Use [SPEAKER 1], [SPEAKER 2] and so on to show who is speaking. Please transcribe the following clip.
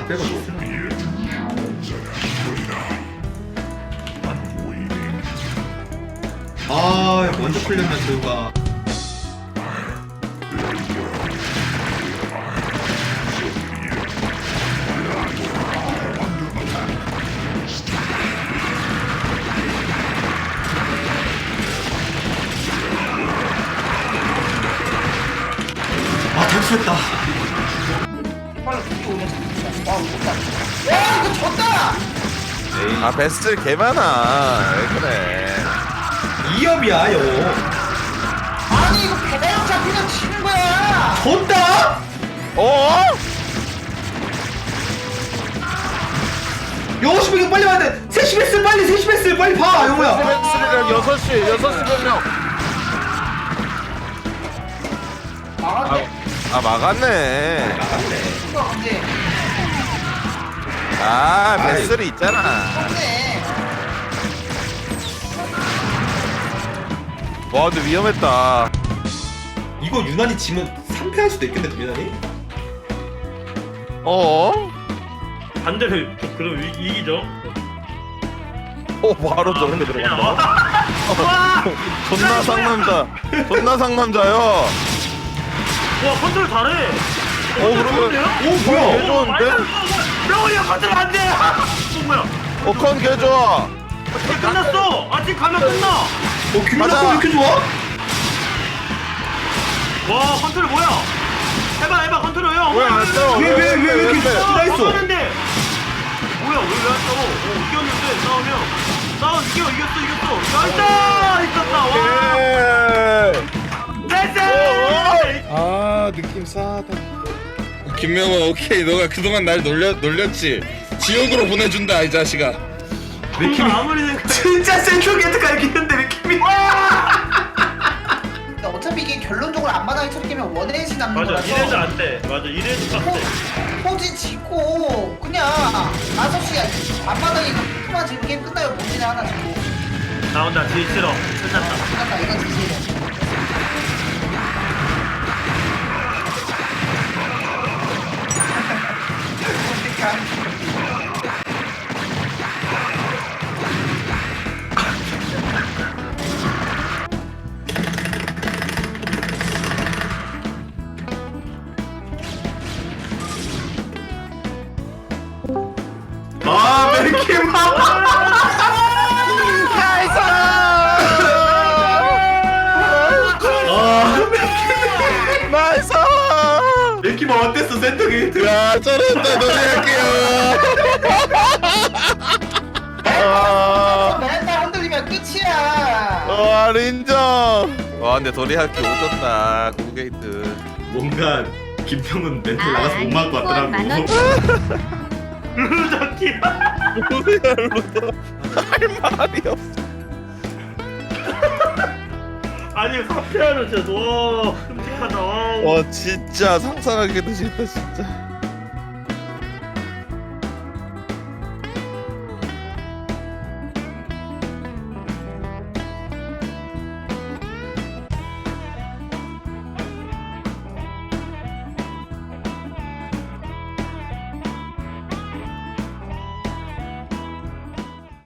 [SPEAKER 1] 다 빼가지고. 아, 먼저 풀렸나 저가. 아, 탈출했다.
[SPEAKER 2] 빨리 죽기 오면 잡자. 와 이거 졌다. 와 이거 졌다.
[SPEAKER 3] 아 베스트 개 많아. 왜 그래?
[SPEAKER 1] 2업이야, 요.
[SPEAKER 2] 아니 이거 배낭 잡히면 지는 거야.
[SPEAKER 1] 졌다?
[SPEAKER 3] 어?
[SPEAKER 1] 영호씨 이거 빨리 와야 돼. 셋이 베스 빨리, 셋이 베스 빨리 봐, 영호야.
[SPEAKER 3] 베스트랑 6시 몇 명.
[SPEAKER 2] 막았네.
[SPEAKER 3] 아 막았네.
[SPEAKER 2] 이거 근데
[SPEAKER 3] 아 베스트 있잖아.
[SPEAKER 2] 졌네.
[SPEAKER 3] 와 근데 위험했다.
[SPEAKER 1] 이거 유난히 지면 3패할 수도 있겠네, 유난히.
[SPEAKER 3] 어?
[SPEAKER 4] 반대로 그럼 이기죠.
[SPEAKER 3] 바로 저런데
[SPEAKER 4] 그냥
[SPEAKER 3] 들어간다.
[SPEAKER 4] 와!
[SPEAKER 3] 존나 상남자. 존나 상남자요.
[SPEAKER 4] 와 컨트롤 잘해.
[SPEAKER 3] 그러면
[SPEAKER 1] 오, 뭐야?
[SPEAKER 3] 개 좋은데?
[SPEAKER 4] 명훈이 형 컨트롤 안 돼. 뭐야?
[SPEAKER 3] 컨 개 좋아.
[SPEAKER 4] 아직 끝났어. 아직 가면 끝나.
[SPEAKER 1] 김민아
[SPEAKER 3] 가자.
[SPEAKER 1] 거 왜 이렇게 좋아?
[SPEAKER 4] 와 컨트롤 뭐야? 해봐 컨트롤 형.
[SPEAKER 3] 왜 안 써?
[SPEAKER 1] 왜 이렇게 스트라 있어?
[SPEAKER 4] 싸우는데. 뭐야 왜 안 싸워? 이겼는데 싸우면 이겼어. 나이스 이겼다. 와. 됐어.
[SPEAKER 5] 아 느낌 싸하다. 김명호 오케이 너가 그동안 날 놀렸지. 지옥으로 보내준다 이 자식아.
[SPEAKER 1] 맥힘이
[SPEAKER 4] 아무리 생각.
[SPEAKER 1] 진짜 센트럴 게이트가 이겼는데 맥힘이.
[SPEAKER 2] 근데 어차피 이게 결론적으로 앞마당에 처리되면 원에이지 남는
[SPEAKER 4] 맞아
[SPEAKER 2] 거라서
[SPEAKER 4] 이래도 안 돼. 맞아 이래도 안 돼.
[SPEAKER 2] 포지 짓고 그냥 5시 앞마당에 포만 지면 게임 끝나요. 본진에 하나 짓고
[SPEAKER 4] 나온다 딜 싫어. 끝났다.
[SPEAKER 2] 끝났다. 이건 지지래.
[SPEAKER 1] 아, 맥힘.
[SPEAKER 3] 나이스.
[SPEAKER 1] 맥힘 어땠어, 센터 게이트?
[SPEAKER 5] 야 저런다 노래할게요.
[SPEAKER 2] 맨날 흔들리면 끝이야.
[SPEAKER 3] 인정. 와 근데 도리할 게 오졌다. 고게이트.
[SPEAKER 1] 뭔가 김평은 멘트 나가서 못 막을 것 같더라고.
[SPEAKER 4] 루저키.
[SPEAKER 3] 할 말이 없어.
[SPEAKER 4] 아니 사피아는 진짜 와 끔찍하다. 와.
[SPEAKER 3] 와 진짜 상상하기도 싫다 진짜.